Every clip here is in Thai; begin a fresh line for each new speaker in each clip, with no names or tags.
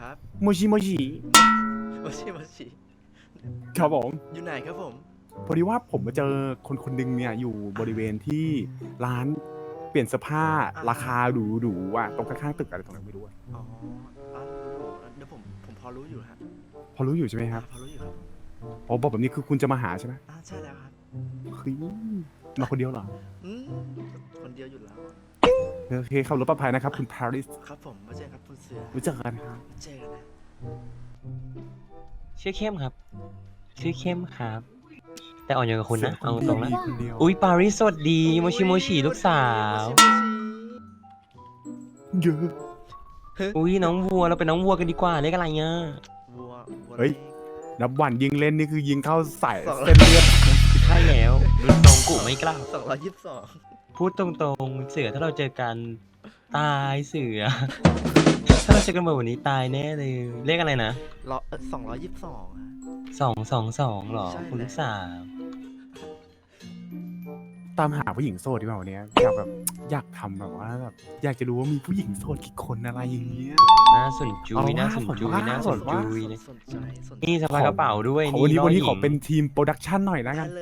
ครับ
โมชิโมชิ
โมชิโมชิ
ครับผม
อยู่ไหนครับผม
พอดีว่าผมมาเจอคนคนหนึ่งเนี่ยอยู่บริเวณที่ร้านเปลี่ยนเสื้อผ้าราคาหรูๆอ่ะตรงข้างๆตึกอะไรตรงนั้นไม่รู้อะ
อ๋อร้านหรูๆเดี๋ยวผมพอรู้อยู่ฮะ
พอรู้อยู่ใช่ไหมครับ
พอรู้อยู่ครับ
อ๋อบอกแบบนี้คือคุณจะมาหาใช่ไหม
ใช่แล้วครับ
เฮ้ยมาคนเดียวเหรอ
อืมคนเดียวอยู่แล้วอะ
โอเคขับรถปลอดภัยนะครับคุณปาริส
ครับผมมาเจอครับคุณเสือ
ไว้เจอกันครับ
เจอกันนะ
ชื่อเข้มครับ ชื่อเข้มครับ แต่อ่อนโยนกับคุณนะ เอาตรงนะ
มีคนเดียว
อุ้ยปาริสสวัสดีโมชิโมชิลูกสาว
โมชิ
เยอะ
อุ้ยน้องวัวเราเป็นน้องวัวกันดีกว่าเรียกอะไรเงี้ย
วัว
เฮ้ย นับวันยิงเล่นนี่คือยิงเข้าใส่
สอง
เส้นเลือด
ใช่แล้วรุ่นตรงกูไม่กล้า
222
พูดตรงๆเสือถ้าเราเจอกันตายเสือ ถ้าเราเจอกันแบบวันนี้ตายแน่เลยเลขอะไรนะ
222ฮะ
222หรอ
ใช่
คุณลูกสาว
ตามหาผู้หญิงโสดดีกว่าวันเนี้ยอยากทำแบบว่าแบบอยากจะรู้ว่ามีผู้หญิงโสดกี่คนอะไรอย่างเงี้ย
น่าสนจุย
เอาว่า
น่าสนจุย
ว่า
น่าสนจุย
สนใจสนใจ
นี่สะพายกระเป๋าด้วย
ขอวันนี้
ล่อ
วันนี้
หญิง
ขอเป็นทีมโปรดักชันหน่อยแล้วกั
ได้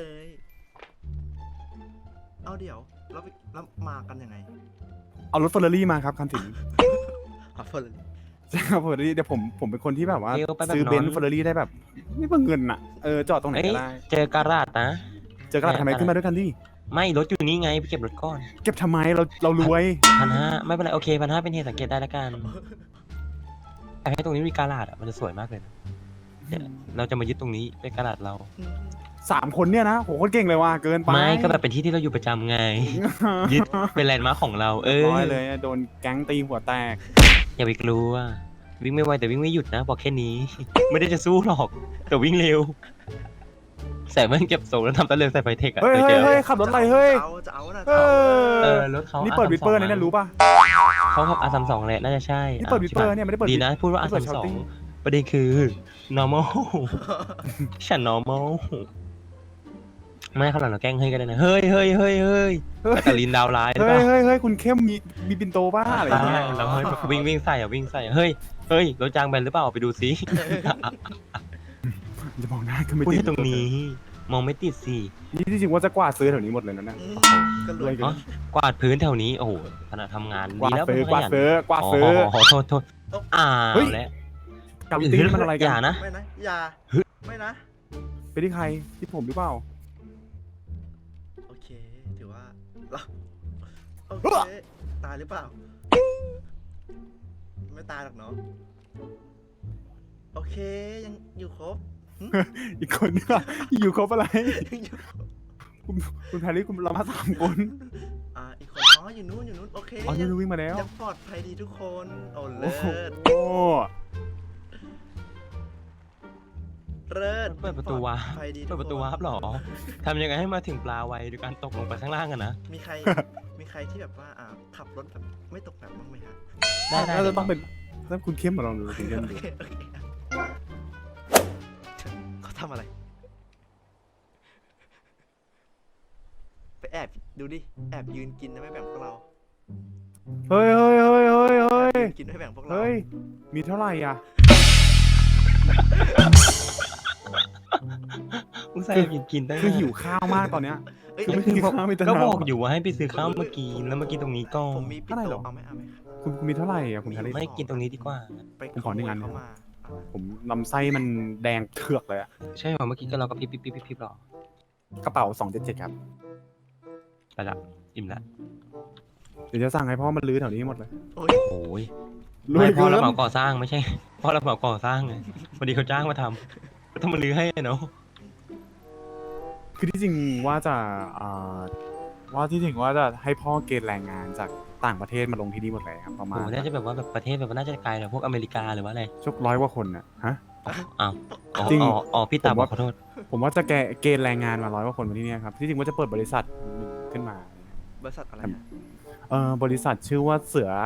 น
เลย เอาเดี๋ยวแล้วมากันยังไง
เอารถเฟอร์รารี่มาครับคันสิน
อ่ะเฟิร์น
ใช่ครับเฟอร์รารี่เดี๋ยวผมเป็นคนที่แบบว่า
เร็วไปแบบ
ซื้อเบน
น
ซ์
อน
เฟอร์รารี่ได้แบบไม่เปลืองเงินอ่ะจอดตรงไหน
เอ้ย
ก็ได้
เจอการาดนะ
เจอกระดาษทำไมขึ้นมาด้วยกันดิ
ไม่รถอยู่นี่ไงไปเก็บรถก่อน
เก็บทำไมเรารวย
1,500ไม่เป็นไรโอเค1,500เป็นเหตุสังเกตได้แล้วกันอยากให้ตรงนี้มีการาดอ่ะมันจะสวยมากเลยนะเดี๋ยวเราจะมายึดตรงนี้เป็นการาดเรา
3 คนเนี่ยนะโหโคตรเก่งเลยว่ะเกินไป
ไม่ก็แบบเป็นที่ที่เราอยู่ประจำไง ยึดเป็นแลนด์มาร์คของเรา
ร้อยเลยโดนแก๊งตีหัวแตก
อย่าไปกลัววิ่งไม่ไวแต่วิ่งไม่หยุดนะบอกแค่นี้ ไม่ได้จะสู้หรอกแต่วิ่งเร็วใส่แว่นเก็บทรงแล้วทำตะเลินใส่ไฟเทคอะ
เฮ้ย
เคยเจอ
เฮ้ยขับรถอะไรเฮ้ย
จะเอานะ
เอ
เอ
อ
อรถเขา
นี่เปิด
R32
วิปเปอร์นะเนี่ยรู้ป่ะ
เขาขับ R32 แหละน่าจะใช่
นี่เปิดวิปเปอร์เนี่ยไม่ได้เปิด
ดีนะพูดว่า
ไม่เปิด
R32
shouting
ประเด็นคือ normal ฉัน normal ไม่ข้างหลังเราแกล้งเฮ้ยกันเลยนะเฮ้ยเฮ้ยเฮ้ยเฮ้ยแต่กาลินดาวร้ายหรือ
เฮ้
เป
ย
ล่า
เฮ้ยเฮ้ยคุณเข้มมีปินโตบ้าอะไรอย่างเงี้ย
เราเฮ้ยแบบวิ่งใส่อะวิ่งใส่อะเฮ้ยเฮ้ยรถจางแบนหรือเปล่าไปดูซิ
จะมองหน้าก็ไม่
พูด
ติด
ให้ตรงนี้ มองไม่ติดสิ
นี่ที่จริงว่าจะกวาดซื้อแถวนี้หมดเลยนะเนี่ย
ก็ร
ร
ว
วย ย
อ๋อกวาดพื้นแถวนี้โอ้โหขณะทำงาน
กวา
ดี
ด
แล้ว
ซื้อ
เป็น
กวาด
ขยัน
ซื้อกวาดซื้อ
โทษอ้าว
เฮ้ย
แล้ว
กับตีมันอะไร
อ
กัน
ย่านะ
ไม่นะ อย่า ไม่นะ
ไปที่ใครที่ผมหรือเปล่า
โอเค ถือว่าเราโอเค ตายหรือเปล่า ไม่ตายหรอกเนาะ โอเค ยังอยู่ครบ
อีกคนเนี่ยอยู่ครบอะไร
ยังอยู่ครบ
คุณแพรรี่คุณเรามา3 คน
อีกคน อยู่นู้น โอเค
อ๋อนี่วิ่งมาแล้ว
ยังปลอดภัยดีทุกคน โอ้
โอ้
เลิ
โห
ศเลิศ
เปิดประตูวาร์ป
ปลอดภัยดี
เปิ
ทุ
ด
ก
ประตู
คน
วาร์ปเหรอทำยังไงให้มาถึงปลาไวโดยการตกลงไปข้างล่างกันนะ
มีใคร มีใครที่แบบว่าขับรถแบบไม่ตกแบบบ้างไหมฮะ
ได้
น่าจะต้องเป็นถ้าคุณเข้มมาลองดูคุณเข้ม
โอ
ดู
เคเขาทำอะไร ไปแอบดูดิ แอบยืนกินนะไม่แบ่งพวกเรา
เฮ้ยเฮ้ยเฮ้ยเฮ้ยเฮ้ย
ยืนกินไม่แบ่งพวกเรา
เฮ้ยมีเท่าไหร่อ่ะ
อุตส่าห์กินได้
คือหิวข้าวมากตอนเนี้ย
เอ้ย
คือไม่
คือ
กินข้าวไม่ต
ก็
นา
บอกอยู่ว่าให้ไปซื้อข้าวเมื่อกี้แล้วเมื่อกี้ตรงนี้ก็
ผมมีปิด
เท่าไหร่หร
โต
อ
เอาไหมเอาไหม
คุณมีเท่าไหร่อ่ะคุณแพรรี่
ไม่กินตรงนี้ดีกว่า
ไป
ผมขอหนึ่งอัน
เข้ามาเอาไหม
ผมลำไส้มันแดงเถือกเลยอ่ะ
ใช่เหรอเมื่อกี้ก็เราก็พิบหรอก
ระเป๋า277ครับ
ไปละอิ่มละ
เดี๋ยวจะสั่งให้พ่อมันรื้อแถวนี้หมดเลย
โอ้ย
โอ้ย
รวย
ไม่พ่อ
เกิน
รับเหมาก่อสร้างไม่ใช่ พ่อรับเหมาก่อสร้างไงพอดีเขาจ้างมาทำก็ต้องมาลื้อให้เนาะ
คือที่จริงว่าจะว่าที่จริงว่าจะให้พ่อเกณฑ์แรงงานจากต่างประเทศมาลงที่นี่หมดเลยครับประมา
โอ้
ณ
น่าจะแบบว่าแบบประเทศแบบว่าน่าจะไกลแบบพวกอเมริกาหรือว่าอะไร
ชก100 กว่าคนน่ะฮะ
อ้าวอ๋อ
จริง
อ๋อพี่ตา
ผม
บอ
ว่า
กขอโทษ
ผมว่าจะเกณฑ์แรงงานมา100 กว่าคนมาที่นี่ครับที่จริงว่าจะเปิดบริษัทขึ้นมา
บริษัทอะไรฮะ
บริษัทชื่อว่าเสือ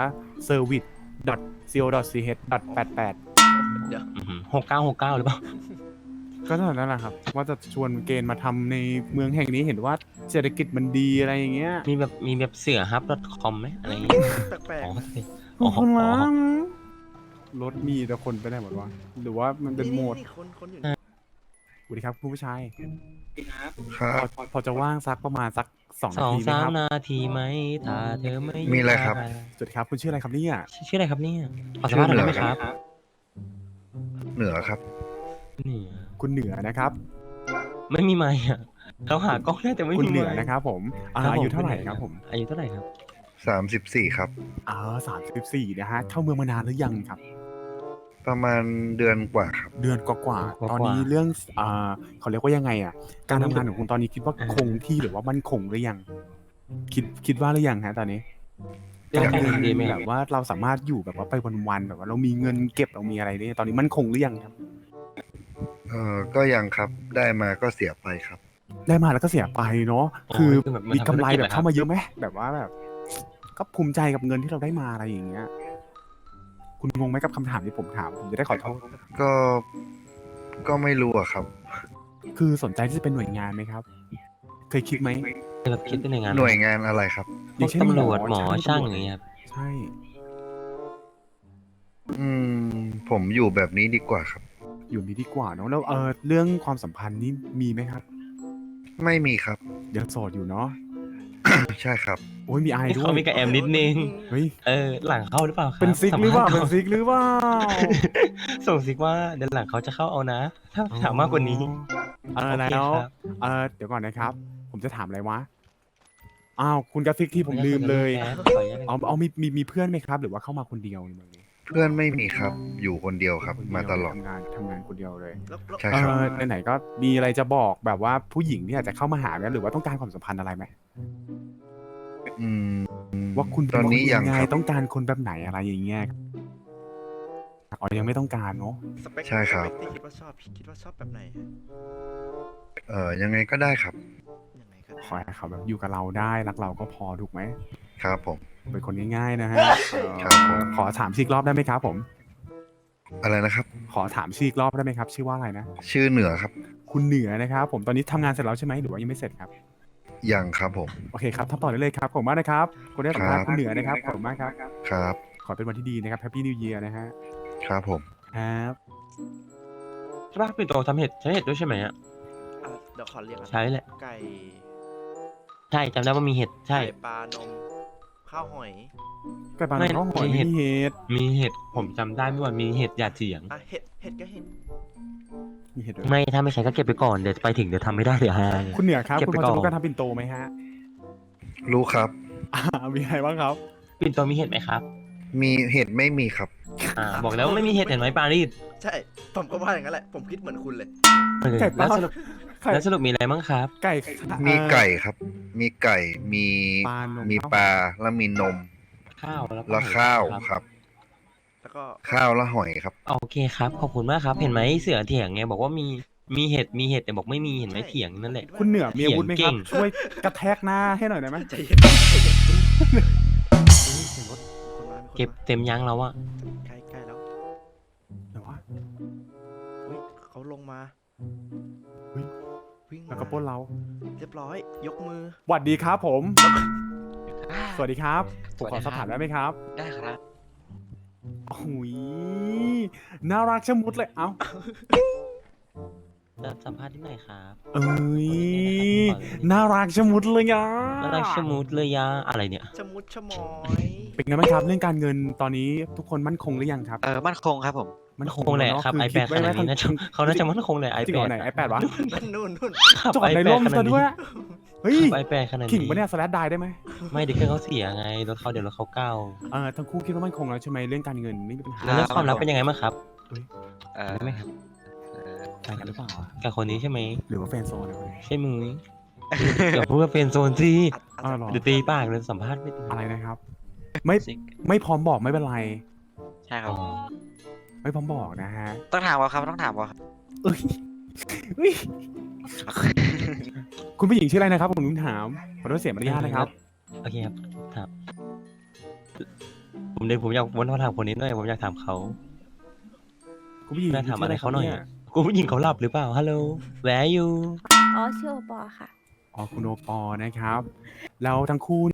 service.co.ch.88
เดี๋ยว
6969หรือเปล่า
ก็เท่านั้นแหละครับ ว่าจะชวนเกณฑ์มาทำในเมืองแห่งนี้เห็นว่าเศรษฐกิจมันดีอะไรอย่างเงี้ย
มีแบบเสือฮับ .com ไหมอะไรอย่างเงี้ย
แปลก
อ๋อ
ขอบคุณ
อ๋
มา
อก
รถมีแต่คนไปไหนหมดวะหรือว่ามันเป็นโหมด
นี่คนอยู่
สวัสดีครับคุณผู้ชาย
ครับ
พอจะว่างสักประมาณสัก2
ส
นา
อง
ทีไหม
สาม
ครับ
นาทีไหมถ้าเธอไม่
มีอะไรครับ
สวัสดีครับคุณชื่ออะไรครับเนี่ย
ชื่ออะไรครับเนี่ยขอสัมภาษณ์หน่อยได้ไหมครับ
เหนือครับ
นี่
คุณเหนือนะครับ
ไม่มีไมค์อ่ะเราหากล้องได้แต่ไม่
คุณ
มี
เหนือ
ไมค์
นะครับผม
ครับ
อายุเท่าไหร่
ณ
ครับผม
อายุเท่าไหร่ครับ
34 ครับ
34นะฮะเข้าเมืองมานานหรือยังครับ
ประมาณเดือนกว่าครับ
เดือนกว่าๆตอนนี้เรื่องเขาเรียกว่ายังไงอ่ะการทำงานของคุณตอนนี้คิดว่าคงที่หรือว่ามั่นคงหรือยังคิดว่าหรือยังฮะตอนนี้
เรื่อง
การ
การ
เงิน
เงินดีไหมค
แบ
รับบ
ว่าเราสามารถอยู่แบบว่าไปวันๆแบบว่าเรามีเงินเก็บเรามีอะไรเนี่ยตอนนี้มั่นคงหรือยังครับ
ก็ยังครับ ได้มาก็เสียไปครับ
ได้มาแล้วก็เสียไปเนาะ
อ๋อ
คือ
คือแบบมัน
มีกำไร
ทำธุรกิจ
แบบ
เหรอครับ
เข้ามาเยอะไหมแบบว่าแบบ ก็ภูมิใจกับเงินที่เราได้มาอะไรอย่างเงี้ย คุณงงไหมกับคำถามที่ผมถามผมจะได้ขอโทษ
ก็ไม่รู้อะครับ
คือสนใจที่จะเป็นหน่วยงานไหมครับ เคยคิดไหม
แบบคิดเป็นหน่วยงาน
หน่วยงานอะไรครับ
พวกตำรวจหมอช่างอย่างเงี้ยครับ
ใช่
ผมอยู่แบบนี้ดีกว่าครับ
อยู่นี้ดีกว่าเนาะแล้วเรื่องความสัมพันธ์นี่มีไหมครับ
ไม่มีครับ
ยังโสดอยู่เนาะ
ใช่ครับ
โอ้ยมีไอาย
นี่
ด้ว
เขา
ย
มีกับแอมนิดนึง
เฮ้ย
หลังเข้าหรือเปล่าครับ
เป็นซิกหรือเปล่า
สั
เป็
ม
น
ภษณ์
ซิกหรือเปล่า
ส่งซิกว่าเดี๋ยวหลังเขาจะเข้าเอานะ ถ้าถามมากกว่านี้ โอเค
แล้ว
ครับ
เดี๋ยวก่อนนะครับ ผมจะถามอะไรวะอ้าวคุณกระซิกที่ผมลืมเลย
ขออนุญาต
เอามีเพื่อนไหมครับ หรือว่าเข้ามาคนเดียวในเมืองนี้
เพื่อนไม่มีครับ อยู่คนเดียวครับ
คนเดียว
มาตลอด
ทำงานคนเดียวเลย
แล้ว
ใช่ครับ
ไหนๆก็มีอะไรจะบอกแบบว่าผู้หญิงที่อาจจะเข้ามาหาไหมหรือว่าต้องการความสัมพันธ์อะไรไหม
อืม
ว่าคุณ
ตอนนี้ยัง
เป็ค
ครับ
ต้องการคนแบบไหนอะไรอย่างเงี้ยอ๋อยังไม่ต้องการเนาะ
สเปค
ใช่ครับ
สเปคที่คิดว่าชอบคิดว่าชอบแบบไหนฮะ
ยังไงก็ได้ครับ
ยังไงก็ได้
ขอให้เขาแบบอยู่กับเราได้รักเราก็พอถูกไหม
ครับผม
เป็นคนง่ายๆนะฮะ
ครับผม
ขอถามชื่ออีกรอบได้ไหมครับผม
อะไรนะครับ
ขอถามชื่ออีกรอบได้ไหมครับ ชื่อว่าอะไรนะ
ชื่อเหนือครับ
คุณเหนือนะครับผมตอนนี้ทำงานเสร็จแล้วใช่ไหมหรือว่ายังไม่เสร็จครับ
ยังครับผม
โอเคครับทำต่อได้เลยครับผมมากนะครับคนได้สัมภาษณ์
ครับ
คุณเหนือนะครับขอบคุณมากครับ
ครับ
ขอเป็นวันที่ดีนะครับ Happy New Year นะฮะ
ครับผม
ครับ
ใช่ป่ะปิ่นโตทำเห็ดใช้เห็ดด้วยใช่ไหมอ่ะ
อ่ะเดี๋ยวขอเรียกก่อน
ใช้แหละ
ไก่
ใช่จำได้ว่ามีเห็ดใช่
ไก่ปลานม ข้าวหอย
ไก่ปลา
ไม่
ข้าวหอย
มีเห็ด
มีเห็ด
มีเห็ดผมจำได้เมื่อวานมีเห็ดหยาดเสียง
อ่ะเห็ดก็เห็ด
มีเห็ดด้วย
ไม่ถ้าไม่ใช้ก็เก็บไปก่อนเดี๋ยวไปถึงเดี๋ยวทำไม่ได้เดี๋ยวหาย
คุณเหนือครับ
เก็บ
คุณ
ไป
พอจะ
ก่อน
รู้การทำปิ่นโตไหมฮะ
รู้ครับ
มีอะไรบ้างครับ
ปิ่นโตมีเห็ดไหมครับ
มีเห็ดไม่มีครับ
บอกแล้วว่าไม่มีเห็ดเห็นไหมปารีส
ใช่ ผมก็ว่าอย่างนั้นแหละ ผมคิดเหมือนคุณเลย
ไก่ปลา
แล้วสรุป
ไก่
แล้วสรุปมีอะไรบ้างครับ
ไก่
มีไก่ครับ มีไก่ มี
ปลานม
มีปลา แล้วมีนม
ข้าวแล้วก็
แล้วข้าว
ครับ
ครับ
แล้วก็
ข้าวแล้วหอยครับ
โอเคครับขอบคุณมากครับ เห็นไหมเสือเถียงไงบอกว่ามีเห็ดแต่บอกไม่มีเห็นไหมเถียงนั่นแหละ
คุณเหนือมีอาวุธไหมครับ
เก่ง
ช่วยกระแทกหน้าให้หน่อยได้ไหม
ใจเย็นใจเย็นคนมา
เก็บเต็มยังแล้วอะ
ใกล้แล้ว
เดี๋ยววะ
อุ้ยเขาลงมา
อุ๊ย
วิ่งมา
แล้วก็ปล้นเรา
เรียบร้อย ยกมือ
สวัสดีครับผม สวัสดีครับผมขอสอบถามได้ไหมครับ
ได้ครับ
โอ้ยน่ารักชะมุดเลย เอ้า
จะสัมภาษณ์ที่ไหนครับ
เอ้ยน่ารักชะมุดเลยอ่ะ
น่ารักชะมุดเลยยาอะไรเนี่ย
ชะมุดชะมอย
เป็นไงบ้างครับเรื่องการเงินตอนนี้ทุกคนมั่นคงหรือยังครับ
มั่นคงครับผม
มันคงแหละ
เนอะ
ครับ
อ
ไอ
คิ
แปดขนาดนี้นะเขาน่าจะมั่นคงเลยไอ
จริง
แป
เหรอ
ด
ไหนไอแปดวะ
นู่น
ขับ
จอดใน
iPad
ร่ม
ขนา
ซะ
ดนี้
ด้วยเฮ้ย
ไอแปดขนาดนี้
ขิงปะเนี่ยสแลดได้ได้ไหม
ไม่เดี๋ยวเครื่องเขาเสียไงรถเขาเดี๋ยวรถเขาเก่า
ทั้งคู่คิดว่ามั่นคงแล้วใช่ไหมเรื่องการเงินไม่มีปัญหา
แล้วเรื่องความรักเป็นยังไงบ้างครับ
เอ่อ
ได้ไหมครับ
ใจกันหรือเปล่าอะ
กับคนนี้ใช่ไหม
หรือว่าแฟนโซนอะไรคนนี้
ใช่มึงอย่าพูดว่าเป็นโซนสิ
อ้าวเหรอ
เดี๋ยวตีปากเลยสัมภาษณ์ไม่ได้
อะไรนะครับ ไม่พร้อมบอกไม่เป็นไร
ใช่ครับ
อ๋อ
ไม่พร้อมบอกนะฮะ
ต้องถามว่าครับต้องถามว่าครับ
เอ้ยเอ้ยคุณผู้หญิงชื่ออะไรนะครับผมลืมถามขอโทษเสียมารยาทนะครับ
โอเคครับถามผมอยากวนมาถามคนนี้หน่อยผมอยากถามเขา
คุณผู้หญิง
น่าถามอะไรเขาหน่อย
ชื่
อะ กูผู้หญิงเขาหลับหรือเปล่าฮัลโหลแวร์ยู
อ๋อชื่อโอปอค่ะ
อ๋อคุณโอปอล์นะครับ แล้วทั้งคู่เนี่ย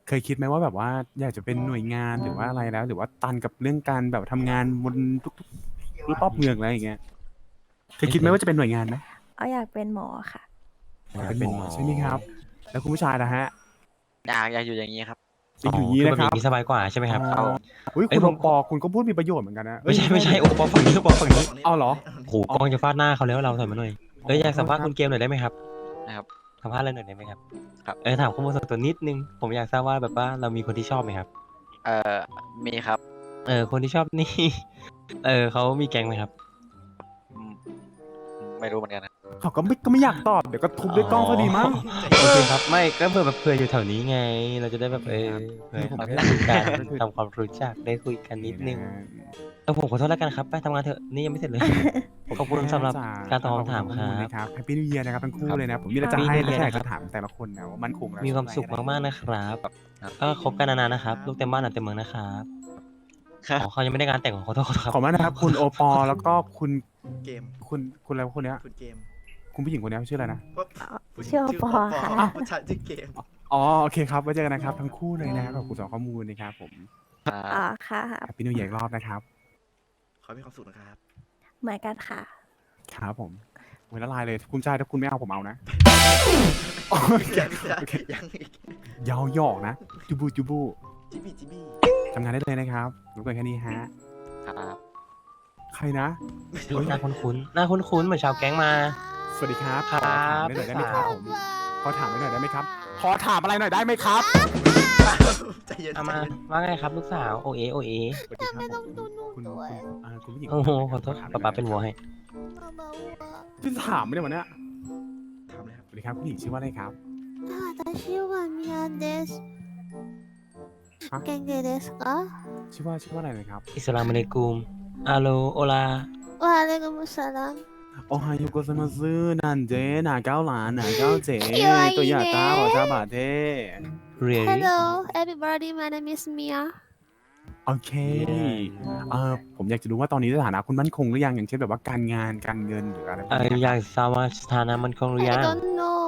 เคยคิดไหมว่าแบบว่าอยากจะเป็นหน่วยงานหรือว่าอะไรแล้ว หรือว่าตันกับเรื่องการแบบทำงานบนทุกๆรอบเมืองอะไรอย่างเงี้ยเคยคิดไหมว่าจะเป็นหน่วยงานไหม
เอาอยากเป็นหมอค่ะ
อยากเป็นหมอใช่ไหมครับ แล้วคุณผู้ชายนะฮะ
อยากอยู่อย่างนี้ครับ
จะอยู่อย่างนี้
คื
นะ
แบบ
ค
อ
รับ
ย่างนี้สบายกว่าใช่ไหมครับ
อ๋ออุ้ย
เอ้
คุ
ย
ณ
ผ
โอ
ม
ปอคุณก็พูดมีประโยชน์เหมือนกันนะ
ไม่ใช่ไม่ใช่โอ้ปอฝั่งนี้โอปอฝั่งนี้
เอาเหรอ
โอ้โหกล้องจะฟาดหน้าเขาแล้วเราถอยมาหน่อยอยากสัมภาษณ์
ครับ
คุณเกมหน่อยได้ไหมครับ
นะครับ
สัมภาษณ์อะไรหน่อยได้ไหมครับ
ครับ
ถามข้อมูลส่วนตัวนิดนึงผมอยากทราบว่าแบบว่าเรามีคนที่ชอบไหมครับ
มีครับ
คนที่ชอบนี่ เขามีแก๊งไหมครับ
อืมไม่รู้เหมือนกันนะ
เขาก็ไม่อยากตอบ เดี๋ยวก็ทุบด้วยกล้องก็ดีมั้ง
โอเคครับไม่ก็เผื่อแบบเผื่ออยู่แถวนี้ไง เราจะได้แบบเผื่อ
ผม
เรา
แค่
ได้คุยกันทำความรู้จักได้คุยกันนิดนึงผมขอโทษแล้วกันครับไปทำงานเถอะนี่ยังไม่เสร็จเลย ขอบคุณสำหรับการตอบคำถามครับ
ครับแฮปปี้นิวเยียร์นะครับทั้งคู่เลยนะ ผมมีอะไรจะ
Happy
ให้
New
และ
Year
แค่อยาก
นะครับ
จะถามแต่ละคนนะว่ามันคงแล้ว
มีความสุขมากๆนะครับก็คบกันนานๆนะครับ ลูกเต็มบ้านหลานเต็มเมืองนะครับ
ครับ
อ๋อเขายังไม่ได้งานแต่งขอโทษครับ
ขอบคุณมากนะครับ คุณโอปอแล้วก็คุณ
เกม
คุณอะไรวะคนเนี้ย
คุณเกม
คุณผู้หญิงคนเนี้ยชื่ออะไรนะ
ก็ผู้หญิง
ชื่อปอค่ะ
ผู้ชายชื่อเกม
อ๋อโอเคครับไว้เจอกันนะครับทั้งคู่เลยนะครับขอบคุณสำหรับข้อมูลนะครับผม
อ๋อค่ะ
แฮปปี้นิวเยียร์อีกรอบนะครับ
ขอให้มีความสุขนะครับ
เหมือนกันค่ะ
ครับผมโอ้ยละลายเลยคุณชายถ้าคุณไม่เอาผมเอานะโอเค
ยัง
โอเค
ยังอีก
ยาวหยอกนะจูบูจูบู
จิบี้จิบี้
ทำงานได้เลยนะครับรู้กันแค่นี้ฮะ
ครับ
ใครนะ
หน้าคุ้นๆหน้าคุ้นๆเหมือนชาวแก๊งมา
สวัสดีครับ
ครับ
ขอถามได้หน่อยได้ไหมครับผมขอถามได้หน่อยได้ไหมครับขอถามอะไรหน่อยได้ไหมครับ
ใจเย็น
เอา
ใจ
มา
เย็น
ว่าไงครับลูกสาวโอเอโอเอ
สวัสดีครับผมคุณผู้หญิง
โอ้โหขอโทษป๊าป๊าเป็นวัวให้
พี่ถามไม่ได้วันเนี้ย
ทำเลยครับ
สวัสดีครับผู้หญิงชื่อว่าอะไรครับ
私は宮です。
ฮะ
元気ですか？
ชื่อว่าอะไรนะครับ
อิสลามอะลัยกุมอาโลโอลา
わあれがムサラン。
โอไฮโยโกซามาซึนันเจนาเก้าหลานนาเก้าเจ
คิวไอเน่
ตัวอยาต้าหัวซาบาเท
เรีย
Hello, everybody. My name is Mia.
โอเคผมอยากจะรู้ว่าตอนนี้สถานะคุณมั่นคงหรือยังอย่างเช่นแบบว่าการงานการเงินหรืออะไรพวกนี้
อยากทราบว่าสถานะมันคงหรือยัง
I don't know.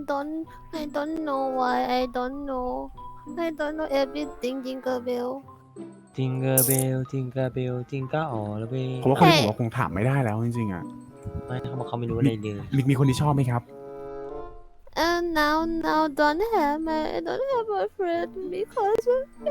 I don't know why. I don't know. I don't know everything. Jingle bell.
จิงเกอร์เบลจิงเกอร์เบลจิงเกอร์อ๋อแล้วเว้ย
ผมว่าคนนี้ผมว่าคงถามไม่ได้แล้วจริงๆอ่ะ
ไม่เขาบอกเขาไม่รู้อะไรเลย
มีคนที่ชอบไหมครับ
And now don't have boyfriend because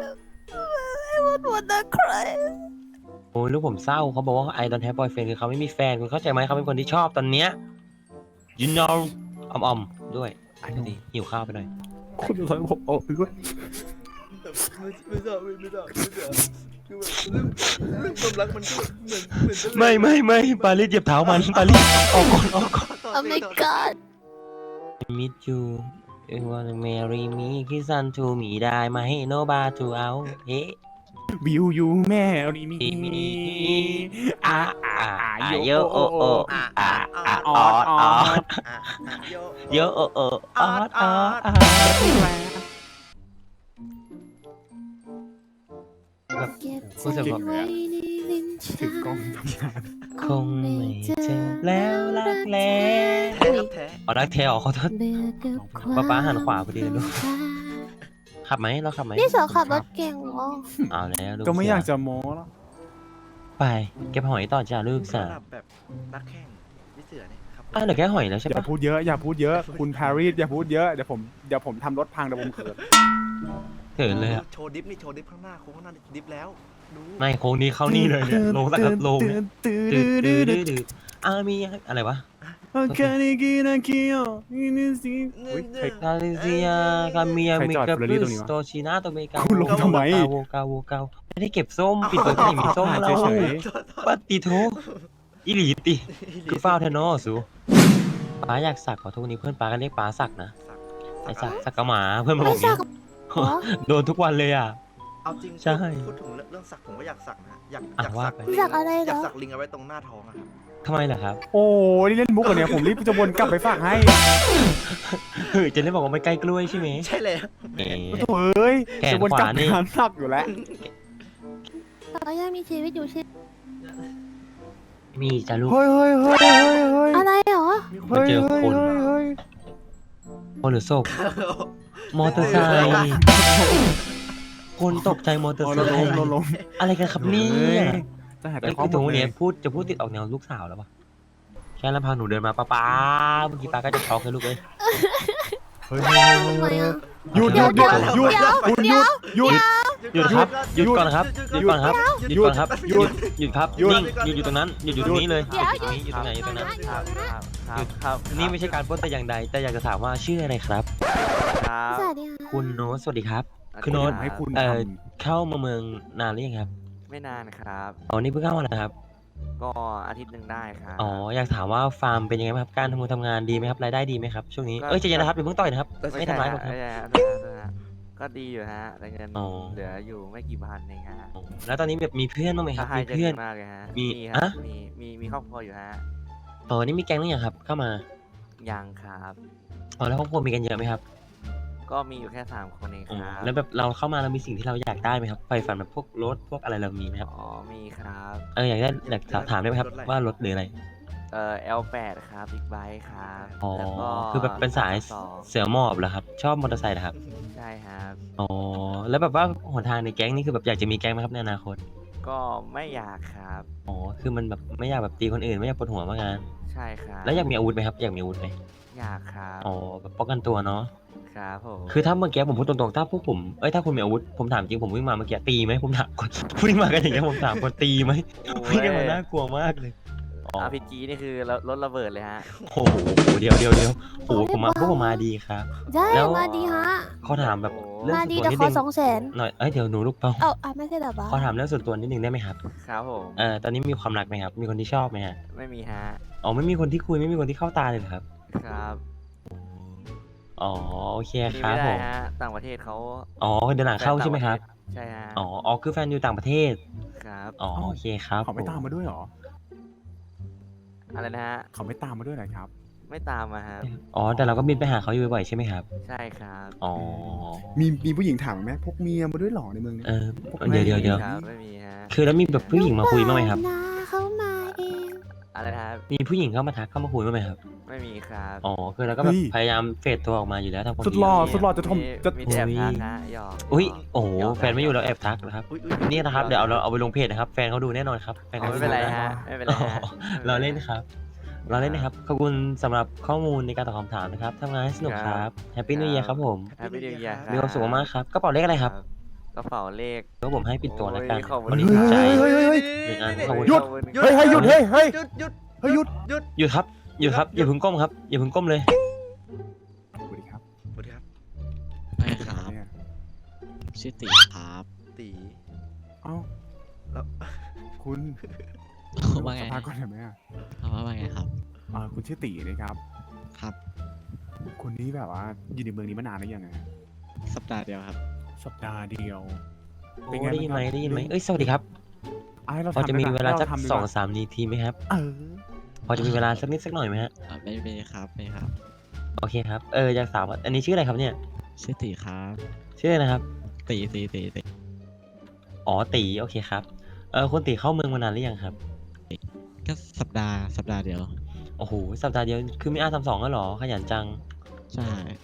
I would wanna cry.
โอ้ยลูกผมเศร้าเขาบอกว่า I don't have boyfriend คือเขาไม่มีแฟนคุณเข้าใจไหมเขาเป็นคนที่ชอบตอนเนี้ย you know อมๆด้วยดีหิวข้าวไปหน่อย
คุณจะสอนผมออกด้วย
ไม่ทราบคือแบบเรื่องความรักมันก็เหมือนจะ
ไม่ปาลิสเหยียบเท้ามันปาลิสออกก่อน
Oh my god.
meet you you wanna marry me kiss on to me ได้ไหม no bar to out เฮ้
วิวยูแม่รีมี
โยโอโอ
ออดโย
โยโอโอออดแบบ
เก็บ
รู้สึก
ใจ
แบบ
ไว้ในลิ้น
ถึ
ชั
งกล้องทำงาน
คงไม่เจอแล้วรักแล้ว
แท้ครับแท้
อ๋อรักแท้อ๋อขอโทษ
เบื่อกับความ
ป๊าป๊าหันขวาพอดีเลยลูก ขับไหมเราขับไหม
นี่สาวขับรถเก่งเหรอ
เอาแล้วลูก
ก็ไม่
เสื
อยากจะโม้แล้ว
ไปเก็บหอยต่อจ้าลูกสาว
สำหรับแบบรักแข่งพี่เสือเนี่ยครับ
เหลือแค่หอยแล้วใช่
อย่า
ปะ
พูดเยอะอย่าพูดเยอะคุณแพรรี่อย่าพูดเยอะเดี๋ยวผมทำรถพังเดี๋ยวผมเขิน
เขินเลยอะ
โชว์ดิฟนี่โชว์ดิฟข้างหน้าโค้งข้างหน้าดิฟแล้วดู
ไม่โค้งนี้เข้านี่เลยเนี่ยลงสักโลงเนี่ยดืดมีอะไรวะ
โอเคนี่กินกิโอนี่สิอุ๊ยใคร
คาลิเซียคาเมีย
ใคร
มิ
จอด
กา
เฟอร์รารี่
บู
ตรงนี้
ส
วะ
โตชินาโตเมกา
คุณลงทำไม
โวกาไม่ได้เก็บส้มปิดเปิดไม่มีส้มแล้ว
เฉย
ปฏิโทอิลีติคือฟ้าวเทนอสูป้าอยากสักขอโทษนี้เพื่อนป้าก็เรียกป้าสักนะไอสักกะหมาเพื่อนมาบ
ไม่
อก
สั
เนี้
ก
ย
เหรอ
โดนทุกวันเลยอ่ะ
เอาจริง
ใช่
พูดถึงเรื่องสักผมก็อยากสักนะอยาก
อ่ะว่าไป
สักอะไรเหรอ
อยากสักลิงเอาไว้ตรงหน้าท้องอะครับ
ทำไมล่ะครับ
โอ้นี่เล่นมุกเหรอเนี่ยผมรีบจะวนกลับไปฝากให้
เฮ้ยจะเล่นบอกว่าไม่ใกล้กล้วยใช่ไหม
ใช่เลย
เอ๊ะ
โถ่เอ้ย
แขน
จะวนกลับ
ขวานี่
งานหนักอยู่แล้ว
เรายังมีชีวิตอยู่ใช่ไหม
มีจ้าลูก
เฮ้ย
อะไรเหรอ
มันเจอคน
เฮ้ย
คนหรือศพมอเตอร์ไซค์คนตกใจมอเตอร์ไซ
เราล้ม
ค์
เราล้ม
อะไรกันครับเนี่
เฮ้
ย
จะหายไป
ไอ้
ข้อ
คือ
มู
ตรง
ล
นี้
เลย
จะพูดติดออกแนวลูกสาวแล้วปะแค่ลำพังหนูเดินมาป้าเมื่อกี้ป้าก็จะช็อกเลยลูกเลย
เฮ้ย
ทำไมอ่ะ
หยุดหยุดหยุดหยุดคุณหยุดหยุด
หยุดครับหยุดก่อนครับหยุดก่อนครับหยุดก่อนครับ
หยุด
หยุดครับ
หยุด
นิ่งหยุดอยู่ตรงนั้นหยุดอยู่ตรงนี้เลย
เดี๋ยว
หยุดตรงนี้หยุดตรงไหนหยุดตรงนั้น
ครับครับครับ
นี่ไม่ใช่การปล้นแต่อย่างใดแต่อยากจะถามว่าชื่ออะไรครับ
ครับ
สวัสดีค่ะ
คุณโน้ตสวัสดีครับ คุณ
โน้
โน้
ต
ต
ให้คุณท
เข้ามาเมืองนานหรือยังครับ
ไม่นานครับ
อ๋อนี่เพิ่งเข้ามานะครับ
ก็อาทิตย์หนึ่งได้ครับ
อ๋ออยากถามว่าฟาร์มเป็นยังไงบ้างครับการทำงานดีไหมครับรายได้ดีไหมครับช่วงนี้
ก็
เอ้ยใจเย็นนะครับอย่าเพิ่งต่อยนะครับไม่ทำร้ายผมครับ
ไม่ใช่ก็ดีอยู่ฮะแต่เงิน
อ๋อ
เหลืออยู่ไม่กี่พันเองฮะ
แล้วตอนนี้แบบมีเพื่อนบ้างไหมค
ถ้า
รับ
ให้
มี
จะ
เพื่อน
ดีมากเลยฮะ
มี
ครับ
อะ
มีครอบครัวอยู่ฮะ
อ๋อนี่มีแก๊งหรือยังครับเข้ามา
ยังครับ
อ๋อแล้วครอบครัวมีกันเยอะไหมครับ
ก็มีอยู่แค่3 คนเอง
อ๋อ
ครับ
แล้วแบบเราเข้ามาเรามีสิ่งที่เราอยากได้ไหมครับไฟฝันแบบพวกรถพวกอะไรเรามีไหมครับ
อ๋อมีครับ
อยากได้อยากถามได้ไหมครับว่ารถหรืออะไร
L8 ครับบิ๊กไบค์ครับ
อ๋อ
แล้วก็
คือแบบเป็นสาย
สอง
เสือหมอบเหรอครับชอบมอเตอร์ไซค์เหรอครับ
ใช่ครับ
อ๋อแล้วแบบว่าหนทางในแก๊งนี่คือแบบอยากจะมีแก๊งไหมครับในอนาคต
ก็ไม่อยากครับ
อ๋อคือมันแบบไม่อยากแบบตีคนอื่นไม่อยากปวดหัวมากงาน
ใช่ครับ
แล้วอยากมีอาวุธไหมครับอยากมีอาวุธไหม
อยากครับ
อ๋อแบบป้องกันตัวเนาะ
ครับผม
คือถ้าเมื่อกี้ผมพูดตรงๆถ้าพวกผมถ้าคุณมีอาวุธผมถามจริงผมวิ่งมาเมื่อกี้ตีไหมผมถามก่อน วิ่งมากันอย่างเงี้ยผมถามก่อนตีไหมวิ่งกันมาน่ากลัวมากเลยอ๋อ
RPG นี่คือรถระเบิดเลยฮะ
โอ้โหเดี๋ยวโอ้โหพวกผมมาดีครับ
ได้
แล้ว
มาดีฮะ
ขอถามแบบเรื่อง
มา
ส่วน
ดี
ตัว
แต่
นิด
ขอ
นึง
200,000
หน่อยเดี๋ยวหนูลูกเปา
เอ้าไม่ใช่เหรอปะ
ขอถามเรื่องส่วนตัวนิดนึงได้ไหมครับ
ครับผม
ตอนนี้มีความรักไหมครับ มีคนที่ชอบไหมฮะ
ไม่มีฮะ
อ๋อไม่มีคนที่คุยไม่มีคนที่เข้าตาเลยเหรอครับ
ครับ
อ๋อโอเค
มี
ครับ
ไม่
ผ
ได้
ม
ฮะต่างประเทศเขา
อ๋อเดินหลังเข้าใช่ไหมครับ
ใช่ฮะ
อ๋อคือแฟนอยู่ต่างประเทศ
ครับ
อ๋อโอเคครับ
เขาไม่ตามมาด้วยเหรอ
อะไรนะฮะ
เขาไม่ตามมาด้วยเหรอครับ
ไม่ตามมาครับ
อ๋อแต่เราก็บินไปหาเขาอยู่บ่อยๆใช่ไหมครับ
ใช่ครับ
อ๋อ
มีผู้หญิงถามไหมพกเมียมาด้วยเหรอในเมืองนี้
เดี๋ยว
ครับไม่มีฮะ
คือแล้วมีแบบผู้หญิงมาคุยบ้างไหมครับ
นาเขามาเอง
อะไรนะครับ
มีผู้หญิงเข้ามาทักเข้ามาคุยบ้างไหมครับ
ไม่มีครับ
อ๋อคือเราก็แบบพยายามเฟดตัวออกมาอยู่แล้วทำความ
สุด
ดี
หล่อสุดหล่อจะทมจะ
มีแต่แอบทักฮะหยอก
อุ้ยโอ้โหแฟนไม่อยู่แล้วแอบทักนะครับ
อุ๊ย
นี่นะครับเดี๋ยวเอาไปลงเพจนะครับ แฟนเขาดูแน่นอนครับแฟน
อ๋อ
เขา
ไม่เป็นไร
ดู
ฮะไม่เป็นไรฮะ
เราเล่นนะครับ เราเล่นนะครับ ขอบคุณสำหรับข้อมูลในการตอบคำถามนะครับทำงานให้สนุกครับแฮปปี้นิวเยียครับผม
แฮปปี้นิวเยียร์ครับ
มีความสุขมากๆครับกระเป๋าเลขอะไรครับ
กระเป๋าเลข
ก็ผมให้ปิดตัวแล้วกัน
โอ้ยขอบคุณ
มัน
ค
ถู
รับ
กใจ
เฮ้ย
หนึ่งอันขอบคุณ
หยุด
ขอบคุณ
เฮ้ยหยุดเฮ้ย
หยุดหยุด
เฮ้ยหยุด
หยุด
หยุดครับหยุดครับอย่าเพึ่งก้มครับอย่าเพึ่งก้มเลย
สวัสดีครับ
สวัสดีครับ
ไม่ครับ
เนี่ย
ชื่อตีครับ
ตี
เอ้า
แล้ว
คุณ
ว่าไง
สัมภาษณ์ก่อนได้ไหมอ่ะ
ว่าไงครับ
คุณชื่อตีนะครับ
ครับ
คนนี้แบบว่าอยู่ในเมืองนี้มานานหรือยังไง
สัปดาห์เดียวครับ
สัปดาห์เดียว
โอ้
เป็นไง
ได้ยินไหม
บ้างครับ
ได้ยินไหมเอ้ยสวัสดีครับ
เรา
พอจะมี
ทำได้ป
เวลาสัก
รทำดี
สอง
ว่า
สามนาทีไหมครับ
เออ
พอจะมีเวลาสักนิดสักหน่อยไหมฮะ
ไม่มีครับไม่ครับ
โอเคครับอยากถามว่าอันนี้ชื่ออะไรครับเนี่ย
ชื่อตีครับ
ชื่ออะไรนะครับ
ตี
อ๋อตีโอเคครับคุณตีเข้าเมืองมานานหรือยังครับ
ก็สัปดาห์เดียว
โอ้โหสัปดาห์เดียวคือมีR32แล้วเหรอขยันจัง
ใช่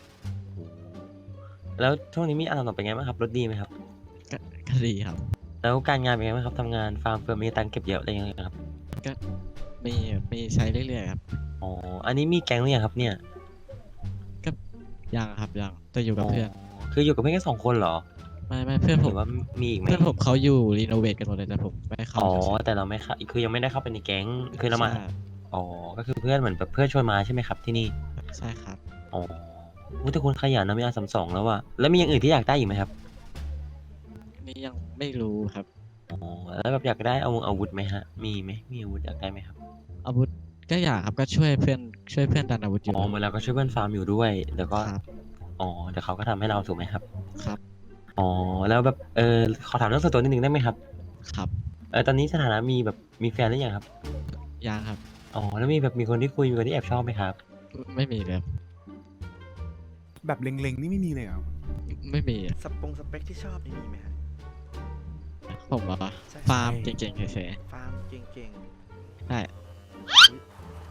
แล้วช่วงนี้มีR32เป็นไงบ้างครับรถดีไหมครับ
ก็ดีครับ
แล้วการงานเป็นไงบ้างครับทำงานฟาร์มเฟิร์มมีตังค์เก็บเยอะอะไรยังไงครับ
ก็มีใช้เรื่อยๆครับ
อ๋ออันนี้มีแก๊งหรือยังครับเนี่ย
ยังครับยังแต่อยู่กับเพื่อน
คืออยู่กับเพื่อนแค่2 คนเหรอ
ไม่เพื่อน
ห
ผ
รื
ม
อว่ามีอีกไหม
เพื่อนผมเขาอยู่รีโนเวทกันหมดเลยแต่ผมไม่เข้า
อ๋อ
เฉย
แต่เราไม่เข้าคือยังไม่ได้เข้าไปในแก๊งคือเรามา
ใช่
อ๋อก็คือเพื่อนเหมือนแบบเพื่อนชวนมาใช่ไหมครับที่นี่
ใช่ครับ
อ๋ออุ๊ยแต่คุณขยันนะมีR32แล้วอะแล้วมีอย่างอื่นที่อยากได้อีกไหมครับ
นี่ยังไม่รู้ครับ
อ๋อแล้วแบบอยากได้อาวุธไหมฮะมีไหมมีอาวุธอยากได้ไหมครับ
อาวุธก็อยากครับก็ช่วยเพื่อนดันอาวุธอยู่
อ๋อเหมือนเราก็ช่วยเพื่อนฟาร์มอยู่ด้วยแล้วก็
ครับ
อ๋อเดี๋ยวเขาก็ทำให้เราถูกไหมครับ
ครับ
อ๋อแล้วแบบขอถามเรื่องส่วนตัวนิดนึงได้ไหมครับ
ครับ
ตอนนี้สถานะมีแฟนหรือยังครับ
ยังครับ
อ๋อแล้วมีคนที่คุยมีคนที่แอบชอบไหมครับ
ไม่มีเลยครับ
แบบเล็งๆนี่ไม่มีเลยเหรอ
ไม่มี
สเปคที่ชอบนี่มีไหมฮะ
ผมเหรอ
ใช่
ฟาร์มเก่งๆเฉย
ฟาร์มเก่ง
ๆได้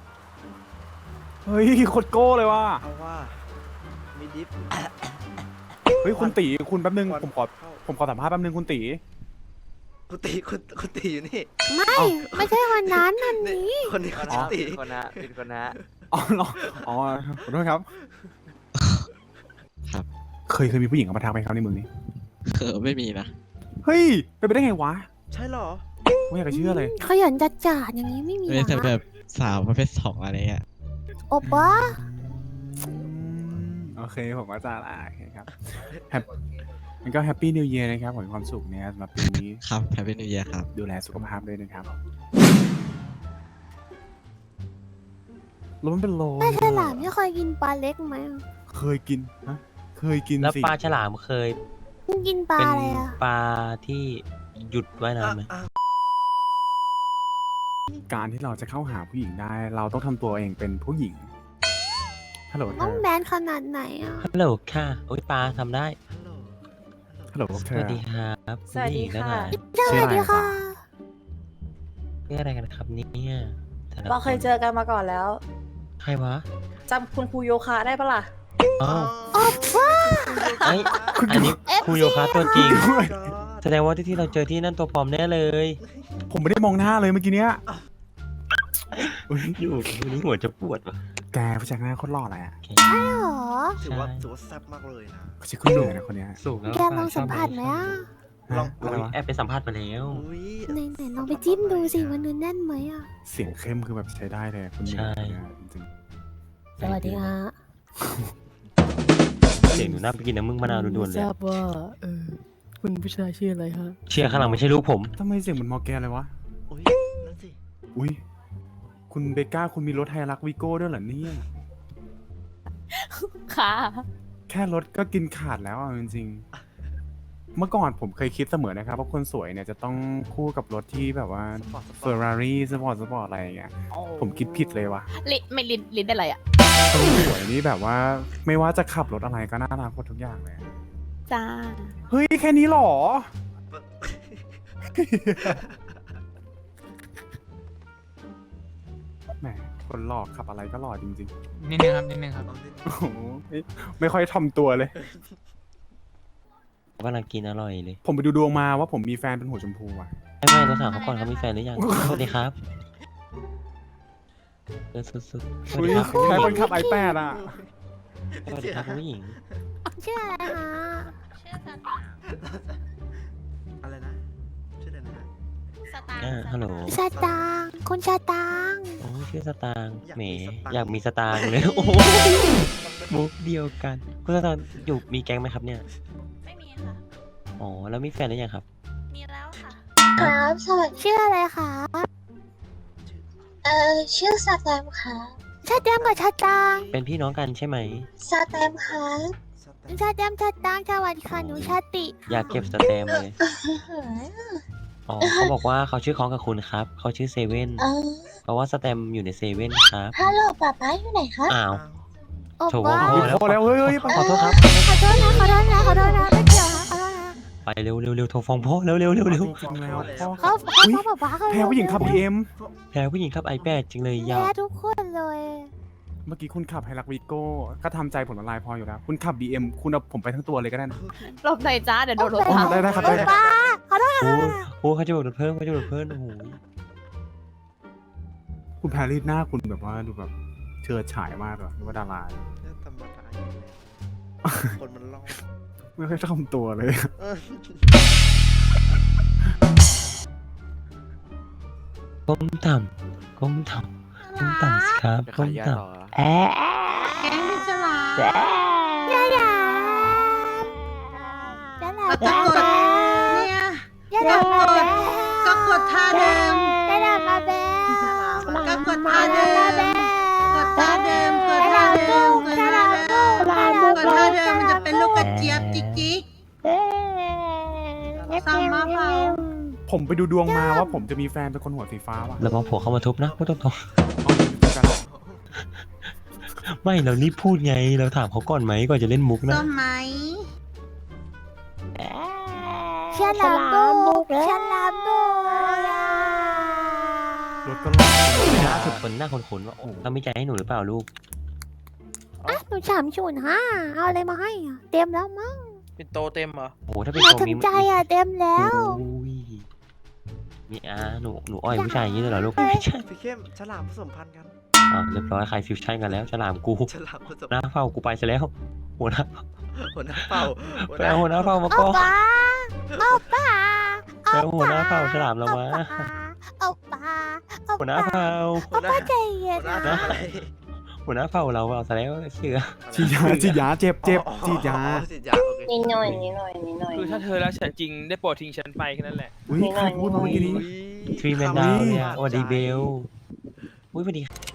เฮ้ยโคตรโก้เลยว่ะ
ๆเอาว่ามีดิฟ
เฮ้ยคุณตีคุณแป๊บนึง
ก่อน
ผมขอสัมภาษณ์แป๊บนึงคุณตี
คุณตีอยู่นี่
ไม่ไม่ใช่วันนั้นอันนี้
คนนี้
คน
ชื่
นะ
อตี
เป็นคนนะเป็นคนนะ
อ๋อเหรออ๋อขอโทษครับ
ครับ
เคยมีผู้หญิงเข้ามาทักไหมครับในเมืองนี้
ไม่มีนะ
เฮ้ยเป็นไปได้ไงวะ
ใช่เหรอ
ไม่อยากจะเชื่อเลย
ขยันจัดจาดอย่างนี้ไม่มี
ไม่
เหร
แต่แบ
อบ
สาวประเภทสองอะไรเงี้ย
โอป้า
โอเคผมก็จะโอเคครับมันก็แฮปปี้นิว e ย r นะครับขอให้ความสุขเนี่ยสำหรับปีนี้
ครับแฮปปี้นิวเยียครับ
ดูแลสุขภาพด้วยนะครับแล้วมันเป็นโล
ปลาฉลามไม่เคยกินปลาเล็กไหมอะ
เคยกินนะเคยกิน
แล้ว
สิ
ปลาฉลามเคย
กินปลา
เป็น
อะไรอะ
ปลาที่หยุดว่ายน้ำไหม
การที่เราจะเข้าหาผู้หญิงได้ เราต้องทำตัวเองเป็นผู้หญิงฮัลโหลเธ
ต้อง
อ
แมนขนาดไหนอะ
ฮัลโหลค่ะโอ้ยปลาทำได้
ฮัลโหล
ฮัลโหลเธ
ส
อ
วัสดีครับ
สวัสดีค่ะ
สวัสดีค่ะ
นี่อะไรกันครับเนี่ยแต่ละ
เราเคยเจอกันมาก่อนแล้ว
ใครวะ
จำคุณครูโยคะได้ปะล่ะ
อ้าวไอยอันนี้ครูโยคะตัวจริง แสดงว่าที่เราเจอที่นั่นตัวปลอมแน่เลย
ผมไม่ได้มองหน้าเลยเมื่อกี้เนี้ยอุ๊ย
อยู่วันนี้หัวจะปวดว่ะ
แกผู้ชายหน้าโคตรหล่อเลยอ่ะ
ใช่หรอ
ถือว่าแซ่บมากเลยนะ
เขาชื่อคุณเหนื่อยนะคนเนี้ย
สูงแล้ว
แกลองสัมผัสไหมอะ
ลอง
อะไรวะ
แอบไปสัมภาษณ์มาแล้ว
อุ้ย
ไหนลองไปจิ้มดูสิว่าเนื้อแน่นไหมอะ
เสียงเข้มคือแบบใช้ได้เลยคุณเหนื่อยคนเนี้ยจริง
สวัสดีค่ะ
เสียงหนูน่าไปกินน้ำมึงมะนาวด่วนๆเลย
ทราบว่าคุณผู้ชายชื่ออะไรฮะ
เชียร์ข้างหลังไม่ใช่ลูกผม
ๆทำไมเสียงเหมือนมอร์แกนเลยวะ
อุ้ยนั่นสิ
อุ้ยคุณเบก้าคุณมีรถไฮรักวีโก้ด้วยเหรอเนี่ย
ค่ะ
แค่รถก็กินขาดแล้วอ่ะจริงๆเมื่อก่อนผมเคยคิดเสมอนะครับว่าคนสวยเนี่ยจะต้องคู่กับรถที่แบบว่าเฟอร์รารี่สปอร์ตอะไรอย่างเงี้ยผมคิดผิดเลยว่ะ
ไม่ลิ้นได้อะไรอ่ะ
คนสวยนี่แบบว่าไม่ว่าจะขับรถอะไรก็น่ารักหมดทุกอย่างเลย
จ้า
เฮ้ยแค่นี้เหรอ แหมคนหลอกขับอะไรก็หล่อจริง
นิดนึงครับนิดนึงครับ
ๆ โอ้โหไม่ค่อยทำตัวเลย
กำลังกินอร่อยเลย
ผมไปดูดวงมาว่าผมมีแฟนเป็นหัวชมพูอ่ะ
ไม่เราถามเขาก่อนเขามีแฟนหรือยัง สวัสดีครับสุดๆสวัส
อุ้ย
ดีครับ
ใครคนขับi8อ่ะ
สวัสดีครับคุณผู้หญิง
ชื่ออะไรคะ
อะไรนะ ชื่ออะไรนะ
ฮัลโหล
สตางค์คุณสตางค์
โอ้ชื่อสตางค์
อยาก
แหม
มีสตางค์
อยากมีสตางค์เลย โอ้โหมุกเดียวกัน คุณสตางค์อยู่มีแก๊งไหมครับเนี่ย
ไม่มีค่ะ
อ๋อ แล้วมีแฟนหรือยังครับ
มีแล้วค่ะ
ครับสวัสดีชื่ออะไรคะ
ชื่อสแตมค่ะ
ชาแตมกับชาตังค์
เป็นพี่น้องกันใช่ไหม
สแตมค่ะ
ชาแตมชาตังค์สวัสดีค่ะหนูชาติ
อยากเก็บสแตมป์เลย อ๋อเขาบอกว่าเขาชื่อคล้องกับคุณครับ เขาชื่อเซเว่น เพราะว่าสแตมป์อยู่ในเซเว่นครับ
ฮัลโหลป๊าป๊าอยู่ไหนคะ
อ้าว
โอ้
โถ
ป้า
โอ้
พอแล้วเฮ้ย
ขอโทษครับ
ขอโทษนะขอโทษนะขอโทษนะไม่เกี่ยวนะขอโทษนะ
ไปเร็วเร็วเร็วโทรฟ้องพ่อเร็วเร็วเร็วเร็ว
จริงๆแล้วพ่อ
เขาบอกว่าเขา
แพ้ผู้หญิงขับ BM
แพ้ผู้หญิงขับ iPad จริงเลยยาว
แพ้ทุกคนเลย
เมื่อกี้คุณขับไฮรักวีโก้ก็ทำใจผมละลายพออยู่แล้ว คุณขับ BM คุณเอาผมไปทั้งตัวเลยก็ได้นะ
หลบหน่อยจ้า เดี๋ยวโดนรถ
อ๋อ
ทับ
ได้ครับได้
ป้าขอโทษ
โอ้โหเขาจะบอกเพิ่มเขาจะบอกเพิ่มโอ้โห
คุณแพรรี่หน้าคุณแบบว่าดูแบบเชิดฉายมากเลยนึกว่าดารา
เนี่ยธรรมดาอยู่แล้วคนมันล่อ
ไม่ค่อยทำตัวเลย
เออ
ก้มต่ำก้มต่ำก้มต่ำสิครับ
จะ
ก้
ขาย
ม
ยา
ต่
ต่อ
ำแอะ
แกงพิศลา
ยายายายา
เนี่ย
ยายามาแบ
ก็กดท่าเดิม
ยายามาแบ
ก็กดท่าเดิม กดท่าเดิม กดท่าเดิม กดท่าเดิม กดท่าเดิมมันจะเป็นลูกกระเจี๊ยบจิ๊กจิ๊กซ้ำมาเปล่า
ผมไปดูดวงมาว่าผมจะมีแฟนเป็นคนหัวสีฟ้าว่ะ
แล้วมาผัวเข้ามาทุบนะพูดตรง
เอากันเหรอ
ๆไม่เรารีบพูดไงเราถามเขาก่อนไหมก่อนจะเล่นมุกนะ
ต้นไม้
ฉลามบุกฉลามบุก
รถก็หลอก
ล่าสุดคนหน้าขนๆว่าโอ้เขามีใจให้หนูหรือเปล่าลูก
อ่ะหนู305เอาอะไรมาให้อ่ะเตรียมแล้วมั้ง
เป็นโตเต็มเหรอ
โอ้โหถ้าเป็น
มา
ตัว
ถึง
นี้
ใจอ่ะเต็มแล้ว
โอ้ยนี่หนูอ้อยผู้ชายอย่างนี้เลยเหรอลูกไม่ใช่
พี่เข้มฉลามผสมพันธุ์กัน
เรียบร้อยใครฟิวชั่นกันแล้วฉลามกู
ฉลามผสม
หน้าเฝ้ากูไปซะแล้วหัวหน้า
หัวหน้าเป่า
ไปเอาหัวหน้าเฝ้ามา
เอา
ก่อน
ป้าเอาป้า
ไปเอาหัวหน้าเฝ้าฉลามเรามา
เอาป้าเอา
หัวหน้า
ป้า
เฝ้า
หัวหน้า
ใจเย็น
หัวหน้าทำอะไร
หัวหน้าเฝ้าเราเอาซะแล้วเชื่อ
ฉีดยาฉีดยาเจ็บฉีดยา
ฉีดยาโอเค
นิดหน่อยนิดหน่อยนิดหน่อย
คือถ้าเธอรักฉันจริงได้โปรดทิ้งฉันไปแค่นั้นแหละ
อุ้ยใครพูดมาเมื่อกี้นี้
ทรีแมนดาวเนี่ยสวัสดีเบลอุ้ยสวัสดี